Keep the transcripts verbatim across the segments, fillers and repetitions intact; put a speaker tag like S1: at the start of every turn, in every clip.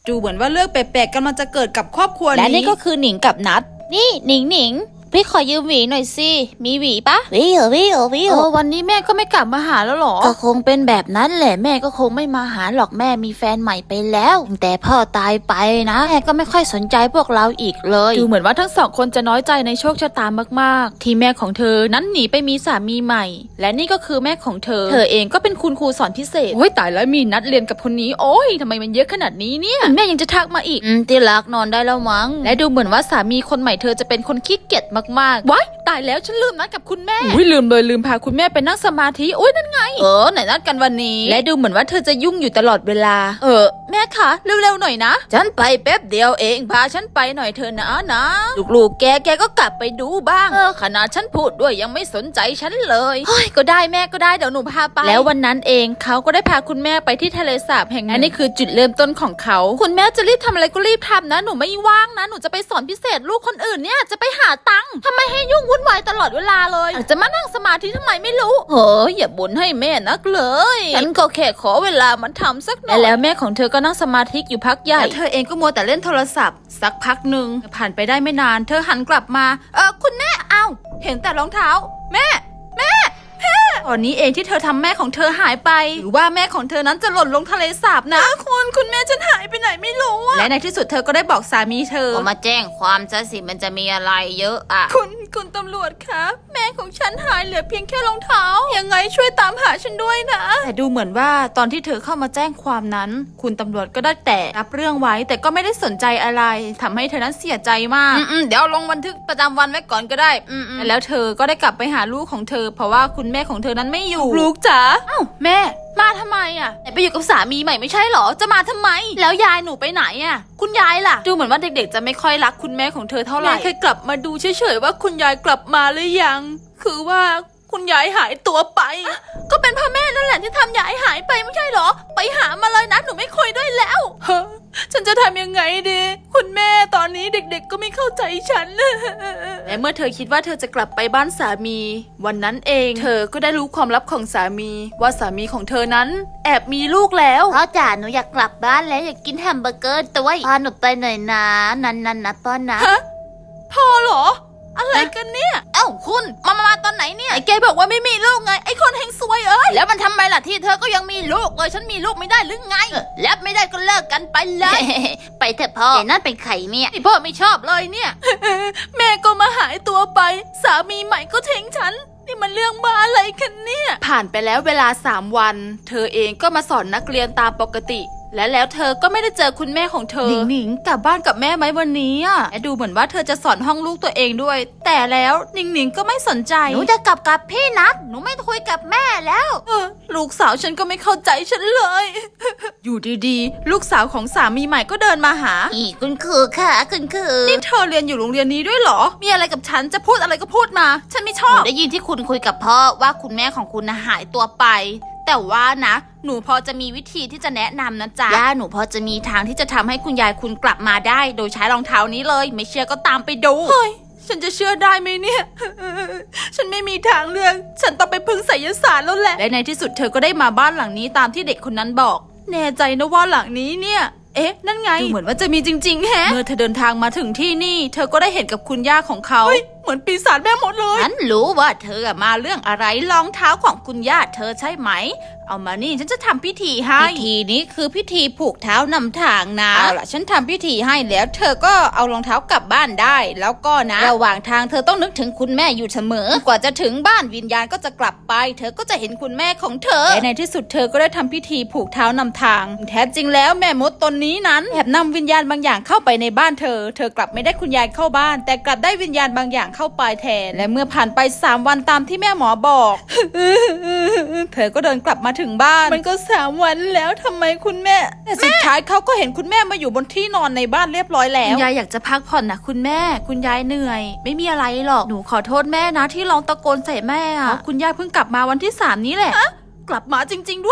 S1: ดูเหมือนว่าเรื่องแปลกๆกำลังจะเกิดกับครอบครัวนี้และนี่ก็คือหนิงกับนัทนี่หนิงหนิงพี่ขอยืมหวีหน่อยสิมีหวีปะ
S2: วิววิววิว
S1: เออวันนี้แม่ก็ไม่กลับมาหาแล้วหรอ
S2: ก็คงเป็นแบบนั้นแหละแม่ก็คงไม่มาหาหรอกแม่มีแฟนใหม่ไปแล้วแต่พ่อตายไปนะแม่ก็ไม่ค่อยสนใจพวกเราอีกเลย
S1: ดูเหมือนว่าทั้งสองคนจะน้อยใจในโชคชะตามากๆที่แม่ของเธอนั้นหนีไปมีสามีใหม่และนี่ก็คือแม่ของเธอเธอเองก็เป็นคุณครูสอนพิเศษโอ้ยตายแล้วมีนัดเรียนกับคนนี้โอ้ยทำไมมันเยอะขนาดนี้เนี่ยแม่ยังจะทักมาอีก
S2: อืมที่รักนอนได้แล้วมั้ง
S1: และดูเหมือนว่าสามีคนใหม่เธอจะเป็นคนขี้เกียจมากๆว้ายตายแล้วฉันลืมนัดกับคุณแม่อุ้ยลืมเลยลืมพาคุณแม่ไปนั่งสมาธิโอ้ยนั่นไงเออไหนนัดกันวันนี้และดูเหมือนว่าเธอจะยุ่งอยู่ตลอดเวลาเออแม่คะเร็วๆหน่อยนะฉันไปแป๊บเดียวเองพาฉันไปหน่อยเธอนะนะลูกๆแกแกก็กลับไปดูบ้างเออขนาดฉันพูดด้วยยังไม่สนใจฉันเลยเฮ้ยก็ได้แม่ก็ได้เดี๋ยวหนูพาไปแล้ววันนั้นเองเขาก็ได้พาคุณแม่ไปที่ทะเลสาบแห่งนั้นนี่คือจุดเริ่มต้นของเขาคุณแม่จะรีบทำอะไรก็รีบทำนะหนูไม่ว่างนะหนูจะไปสอนพิเศษลูกคนอื่นเนี่ยจะไปหาตังค์ทำไมให้ยุ่งวุ่นวายตลอดเวลาเลยจะมานั่งสมาธิทำไมไม่รู้เฮ้ยอย่าบ่นให้แม่นักเลยฉันก็แค่ขอเวลามันทำสักหน่อยแล้วแม่ของเธอก็นั่งสมาธิอยู่พักใหญ่เธอเองก็มัวแต่เล่นโทรศัพท์สักพักหนึ่งผ่านไปได้ไม่นานเธอหันกลับมาเออคุณแม่เอ้าเห็นแต่รองเท้าแม่แม่ตอนนี้เองที่เธอทำแม่ของเธอหายไปหรือว่าแม่ของเธอนั้นจะหล่นลงทะเลสาบนะคุณคุณแม่ฉันหายไปไหนไม่รู้และในที่สุดเธอก็ได้บอกสามีเธอ
S2: ก็มาแจ้งความซะสิมันจะมีอะไรเยอะอะ
S1: คุณคุณตำรวจคะแม่ของฉันหายเหลือเพียงแค่รองเท้ายังไงช่วยตามหาฉันด้วยนะแต่ดูเหมือนว่าตอนที่เธอเข้ามาแจ้งความนั้น คุณตำรวจก็ได้แต่รับเรื่องไว้แต่ก็ไม่ได้สนใจอะไรทำให้เธอนั้นเสียใจมากอืมเดี๋ยวลงบันทึกประจำวันไว้ก่อนก็ได้อืมแล้วเธอก็ได้กลับไปหาลูกของเธอเพราะว่าคุณแม่ของเธอนั้นไม่อยู่ลูกจ๋าอ้าวแม่มาทำไมอ่ะไหนไปอยู่กับสามีใหม่ไม่ใช่หรอจะมาทำไมแล้วยายหนูไปไหนอ่ะคุณยายล่ะดูเหมือนว่าเด็กๆจะไม่ค่อยรักคุณแม่ของเธอเท่าไหร่แค่กลับมาดูเฉยๆว่าคุณยายกลับมาหรือยังคือว่าคุณยายหายตัวไปก็เป็นพ่อแม่นั่นแหละที่ทำยายหายไปไม่ใช่หรอไปหามาเลยนะหนูไม่คุยด้วยแล้วเฮ้ฉันจะทำยังไงดีคุณแม่ตอนนี้เด็กๆก็ไม่เข้าใจฉันและเมื่อเธอคิดว่าเธอจะกลับไปบ้านสามีวันนั้นเองเธอก็ได้รู้ความลับของสามีว่าสามีของเธอนั้นแอบมีลูกแล้ว
S2: พ่อจ๋าหนูอยากกลับบ้านแล้วอยากกินแฮมเบอร์เกอร์ด้วยพาหนูไปหน่อยนะนันนันนะป้อนนะ
S1: ฮะพอเหรออะไรกันเนี่ยเอ้าคุณมามามาตอนไหนเนี่ยไอ้แกบอกว่าไม่มีลูกไงไอ้คนเฮงซวยเอ้ยแล้วมันทำไมล่ะที่เธอก็ยังมีลูกเลยฉันมีลูกไม่ได้หรือไงแล้วไม่ได้ก็เลิกกันไปเลย
S2: ไปเถอะพ่อแต่นั่นเป็นไข่เนี่ย
S1: ที่พ่อไม่ชอบเลยเนี่ย แม่ก็มาหายตัวไปสามีใหม่ก็ทิ้งฉันนี่มันเรื่องบ้าอะไรกันเนี่ยผ่านไปแล้วเวลาสามวัน เธอเองก็มาสอนนักเรียนตามปกติและแล้วเธอก็ไม่ได้เจอคุณแม่ของเธอหนิงหนิงกลับบ้านกับแม่ไหมวันนี้อ่ะและดูเหมือนว่าเธอจะสอนห้องลูกตัวเองด้วยแต่แล้วหนิงหนิงก็ไม่สนใจ
S2: หนูจะกลับกับพี่นัทหนูไม่คุยกับแม่แล้ว
S1: เออลูกสาวฉันก็ไม่เข้าใจฉันเลย อยู่ดีๆลูกสาวของสามีใหม่ก็เดินมาหา
S2: อีคุณคือค่ะคุณคือ
S1: นี่เธอเรียนอยู่โรงเรียนนี้ด้วยเหรอมีอะไรกับฉันจะพูดอะไรก็พูดมาฉันไม่ช
S2: ห
S1: อ
S2: นู
S1: บ
S2: ได้ยินที่คุณคุยกับพ่อว่าคุณแม่ของคุณน่ะหายตัวไปแต่ว่านะหนูพอจะมีวิธีที่จะแนะนำนะจ๊ะย่าหนูพอจะมีทางที่จะทำให้คุณยายคุณกลับมาได้โดยใช้รองเท้านี้เลยไม่เชื่อก็ตามไปดู
S1: เฮ้ยฉันจะเชื่อได้ไหมเนี่ย ฉันไม่มีทางเลือกฉันต้องไปพึ่งไสยศาสตร์แล้วแหละและในที่สุดเธอก็ได้มาบ้านหลังนี้ตามที่เด็กคนนั้นบอกแน่ใจนะว่าหลังนี้เนี่ยเอ๊ะนั่นไงดูเหมือนว่าจะมีจริงๆแฮะเมื่อเธอเดินทางมาถึงที่นี่เธอก็ได้เห็นกับคุณย่าของเขาเหมือนปีศาจแม่มดเลย
S2: ฉันรู้ว่าเธอมาเรื่องอะไรรองเท้าของคุณย่าเธอใช่ไหมเอามานี่ฉันจะทำพิธีให้พิธีนี้คือพิธีผูกเท้านำทางนะเอาล่ะฉันทำพิธีให้แล้วเธอก็เอารองเท้ากลับบ้านได้แล้วก็นะระหว่างทางเธอต้องนึกถึงคุณแม่อยู่เสมอกว่าจะถึงบ้านวิญญาณก็จะกลับไปเธอก็จะเห็นคุณแม่ของเธอ
S1: และในที่สุดเธอก็ได้ทำพิธีผูกเท้านำทางแท้จริงแล้วแม่มดตนนี้นั้นแอบนำวิญญาณบางอย่างเข้าไปในบ้านเธอเธอกลับไม่ได้คุณยายเข้าบ้านแต่กลับได้วิญญาณบางอย่างเข้าไปแทนและเมื่อผ่านไปสามวันตามที่แม่หมอบอก เธอก็เดินกลับมาถึงบ้านมันก็สามวันแล้วทำไมคุณแม่แต่สุดท้ายเขาก็เห็นคุณแม่มาอยู่บนที่นอนในบ้านเรียบร้อยแล้วคุณยายอยากจะพักผ่อนนะคุณแม่คุณยายเหนื่อยไม่มีอะไรหรอกหนูขอโทษแม่นะที่ร้องตะโกนใส่แม่อะคุณยายเพิ่งกลับมาวันที่สามนี้แหละกลับมาจริงๆด้วย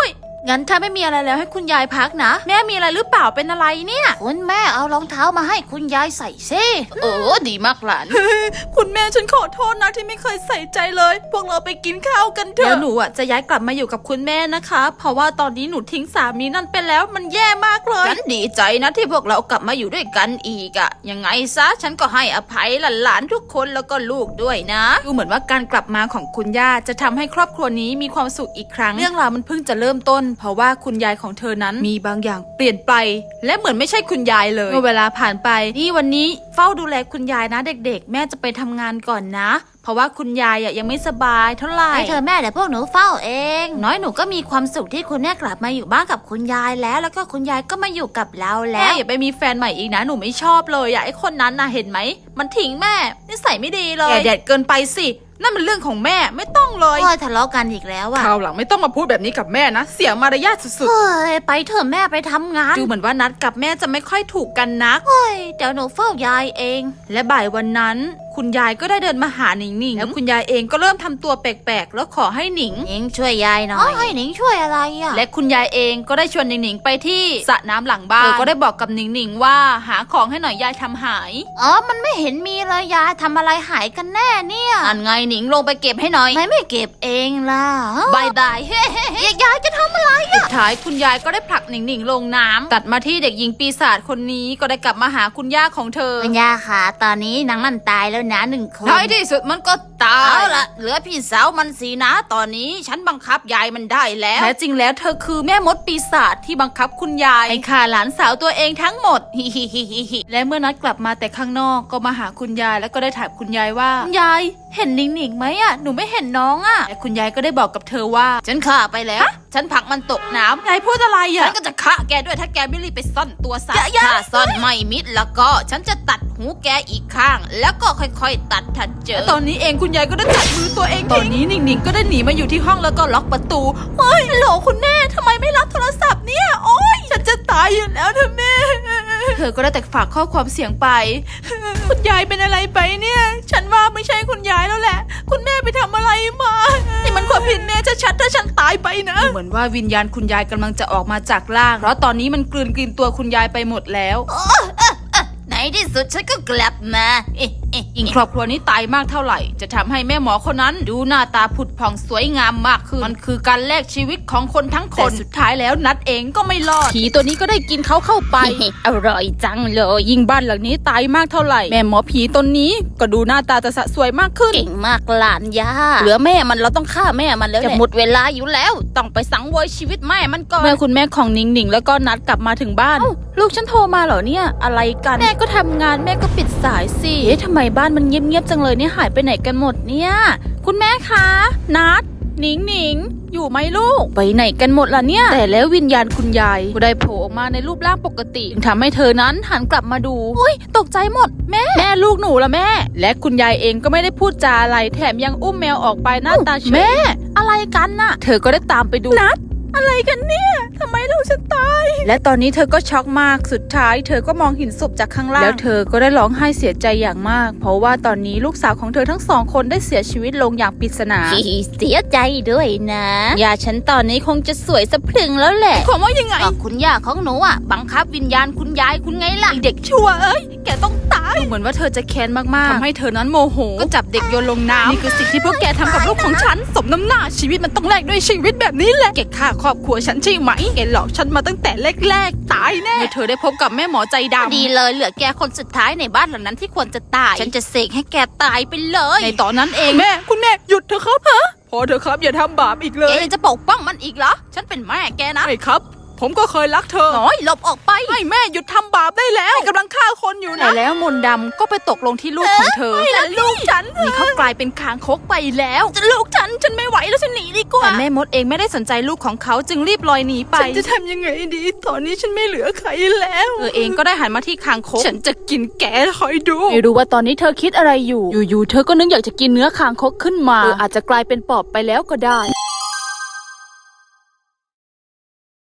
S1: งั้นถ้าไม่มีอะไรแล้วให้คุณยายพักนะแม่มีอะไรหรือเปล่าเป็นอะไรเนี่ย
S2: คุณแม่เอารองเท้ามาให้คุณยายใส่ซิเออดีมากหลาน
S1: คุณแม่ฉันขอโทษนะที่ไม่เคยใส่ใจเลยพวกเราไปกินข้าวกันเถอะแล้วหนูอ่ะจะย้ายกลับมาอยู่กับคุณแม่นะคะเพราะว่าตอนนี้หนูทิ้งสามีนั่นไปแล้วมันแย่มากเลย
S2: ฉันดีใจนะที่พวกเรากลับมาอยู่ด้วยกันอีกอะยังไงซะฉันก็ให้อภัยหลานๆทุกคนแล้วก็ลูกด้วยนะ
S1: ดูเหมือนว่าการกลับมาของคุณย่าจะทำให้ครอบครัวนี้มีความสุขอีกครั้งเรื่องราวมันเพิ่งจะเริ่มต้น เพราะว่าคุณยายของเธอนั้นมีบางอย่างเปลี่ยนไป และเหมือนไม่ใช่คุณยายเลยเมื่อเวลาผ่านไปนี่วันนี้เฝ้าดูแลคุณยายนะเด็กๆ แม่จะไปทำงานก่อนนะ เพราะว่าคุณยายอ่ะยังไม่สบายเท่าไหร่
S2: ให้เธอแม่เดี๋ยวพวกหนูเฝ้าเอง น้อยหนูก็มีความสุขที่คุณแม่กลับมาอยู่บ้านกับคุณยายแล้ว แล้วก็คุณยายก็มาอยู่กับเราแล้
S1: แม่
S2: ว
S1: อย่าไปมีแฟนใหม่อีกนะหนูไม่ชอบเลยอ่ะไอ้คนนั้นน่ะเห็นไหมมันทิ้งแม่นิสัยไม่ดีเลยแดดเกินไปสินั่นมันเรื่องของแม่ไม่ต้องเลย
S2: โอ้ยทะเลาะกันอีกแล้วอะ
S1: คราวหลังไม่ต้องมาพูดแบบนี้กับแม่นะเสียมารยาทสุด
S2: เฮ้ยไปเถอะแม่ไปทำงาน
S1: ๆดูเหมือนว่านัดกับแม่จะไม่ค่อยถูกกันนัก
S2: เฮ้ยเดี๋ยวหนูเฝ้ายายเอง
S1: และบ่ายวันนั้น คุณยายก็ได้เดินมาหาหนิงหนิงแล้วคุณยายเองก็เริ่มทำตัวแปลกๆแล้วขอให้หนิง
S2: หนิงช่วยยายหน่อยให้หนิงช่วยอะไรอะ
S1: และคุณยายเองก็ได้ชวนหนิงหนิงไปที่สระน้ำหลังบ้านเธอก็ได้บอกกับหนิงหนิงว่าหาของให้หน่อยยายทำหาย
S2: อ๋อมันไม่เห็นมีเลยยายทำอะไรหายกันแน่เนี่ยอันไงหนิงลงไปเก็บให้หน่อยไม่ไม่เก็บเองล่ะบายบายเฮ้เฮ้เฮ้ยายจะทำอะไร
S1: สุดท้ายคุณยายก็ได้ผลักหนิงหนิงลงน้ำตัดมาที่เด็กหญิงปีศาจคนนี้ก็ได้กลับมาหาคุณย่าของเธอ
S2: คุณยาค่ะตอนนี้นางนั่นตายแล้วนะหนึ่งคน
S1: ท้ายที่สุดมันก็ตาย
S2: เอาละเหลือพี่สาวมันสีนะ ตอนนี้ฉันบังคับยายมันได้แล้ว
S1: แท้จริงแล้วเธอคือแม่มดปีศาจที่บังคับคุณยายให้ฆ่าหลานสาวตัวเองทั้งหมด
S2: ฮิฮิฮิฮิฮิ
S1: และเมื่อนัดกลับมาแต่ข้างนอกก็มาหาคุณยายแล้วก็ได้ถามคุณยายว่าคุณยายเห็นหนิงหนิงไหมอ่ะหนูไม่เห็นน้องอ่ะแต่คุณยายก็ได้บอกกับเธอว่า
S2: ฉันฆ่าไปแล้ว ฉันผลักมันตกน้ำ
S1: ยายพูดอะไร
S2: ฉั
S1: อ่ะ
S2: นก็จะฆ่าแกด้วยถ้าแกไม่รีบไปซ่อนตัวซะ
S1: อย่าอย่า
S2: ถ้าซ่อนไม่มิดแล้วก็ฉันจะตัดหูแกอีกข้าง แล้วก็ค่อยๆตัดถ้าเจอ
S1: ตอนนี้เองคุณยายก็ได้ตัดมือตัวเองตอนนี้หนิงหนิงก็ได้หนีมาอยู่ที่ห้องแล้วก็ล็อกประตูเฮ้ยฮัลโหลคุณแม่ทำไมไม่รับโทรศัพท์เนี่ยโอ๊ยฉันจะตายอยู่แล้วนะแม่เธอก็ได้แต่ฝากข้อความเสียงไป คุณยายเป็นอะไรไปเนี่ย ฉันว่าไม่ใช่คุณยายแล้วแหละ คุณแม่ไปทำอะไรมานี่มันความผิดแม่ชัดๆถ้าฉันตายไปนะเหมือนว่าวิญญาณคุณยายกำลังจะออกมาจากร่างเพราะตอนนี้มันกลืนกินตัวคุณยายไปหมดแล้ว
S2: ในที่สุดฉันก็กลับมาเอ๊ะเอ๊ะ
S1: ยิ่งครอบครัวนี้ตายมากเท่าไหร่จะทำให้แม่หมอคนนั้นดูหน้าตาผุดผ่องสวยงามมากขึ้นมันคือการแลกชีวิตของคนทั้งคนแต่สุดท้ายแล้วนัดเองก็ไม่รอดผีตัวนี้ก็ได้กินเขาเข้าไป
S2: อร่อยจังเลย
S1: ยิ่งบ้านหลังนี้ตายมากเท่าไหร่แม่หมอผีตนนี้ก็ดูหน้าตาจะสะสวยมากขึ้น
S2: เก่งมากหลานย่าเหลือแม่มันเราต้องฆ่าแม่มันแล้วจะหมดเวลาอยู่แล้ว ต้องไปสังเวยชีวิตแม่มันก่อน
S1: เมื่อคุณแม่ของหนิงหนิงแล้วก็นัดกลับมาถึงบ้านลูกฉันโทรมาเหรอเนี่ยอะไรกันแม่ก็ทำงานแม่ก็ปิดสายสิเอ๊ะทำไมบ้านมันเงียบๆจังเลยเนี่ยหายไปไหนกันหมดเนี่ยคุณแม่คะนัดหนิงหนิงอยู่ไหมลูกไปไหนกันหมดล่ะเนี่ยแต่แล้ววิญญาณคุณยายก็ได้โผล่ออกมาในรูปร่างปกติจึงทำให้เธอนั้นหันกลับมาดูโอ้ยตกใจหมดแม่แม่ลูกหนูละแม่และคุณยายเองก็ไม่ได้พูดจาอะไรแถมยังอุ้มแมวออกไปหน้าตาเฉยแม่อะไรกันน่ะเธอก็ได้ตามไปดูนัดอะไรกันเนี่ยทำไมลูกฉันตายและตอนนี้เธอก็ช็อกมากสุดท้ายเธอก็มองเห็นศพจากข้างล่างแล้วเธอก็ได้ร้องไห้เสียใจอย่างมากเพราะว่าตอนนี้ลูกสาวของเธอทั้งสองคนได้เสียชีวิตลงอย่างปริศนา
S2: เสียใจด้วยนะ
S1: ยาฉันตอนนี้คงจะสวยสะพรึงแล้วแหละความว่ายังไง
S2: ก็คุณย่าของหนูอ่ะบังคับวิญญาณคุณยายคุณไงล่ะ
S1: ไอ้เด็กชั่วเอ้ยแกต้องตายดูเหมือนว่าเธอจะแค้นมากๆทำให้เธอนั้นโมโหก็จับเด็กโยนลงน้ำนี่คือสิ่งที่พวกแกทำกับลูกของฉันสมน้ำหน้าชีวิตมันต้องแลกด้วยชีวิตแบบนี้แหละแกฆ่าครอบครัวฉันใช่ไหมแกหลอกฉันมาตั้งแต่แรกๆตายแน่เมื่อเธอได้พบกับแม่หมอใจดำ
S2: ดีเลยเหลือแกคนสุดท้ายในบ้านหลังนั้นที่ควรจะตาย ฉันจะเสกให้แกตายไปเลย
S1: ในตอนนั้นเองแม่คุณแม่หยุดเถอะครับฮะพอเถอะครับอย่าทำบาปอีกเล
S2: แก
S1: ย
S2: ยังจะปกป้องมันอีกเหรอ ฉันเป็นแม่แกนะ
S1: ไม่ครับ ผมก็เคยรักเธอ
S2: น้อยหลบออกไป
S1: ไม่แม่หยุดทำบาปได้แล้วกำลังฆ่าคนอยู่นะแต่แล้วมนต์ดำก็ไปตกลงที่ลูกของเธอแต่ลูกฉันนี่เขากลายเป็นคางคกไปแล้วจะลูกฉันฉันไม่ไหวแล้วฉันหนีดีกว่าแต่แม่มดเองไม่ได้สนใจลูกของเขาจึงรีบลอยหนีไปฉันจะทำยังไงดีตอนนี้ฉันไม่เหลือใครแล้วเธอเองก็ได้หันมาที่คางคกฉันจะกินแกคอยดูไม่รู้ว่าตอนนี้เธอคิดอะไรอยู่อยู่ๆเธอก็นึกอยากจะกินเนื้อคางคกขึ้นมาเอออาจจะกลายเป็นปอบไปแล้วก็ได้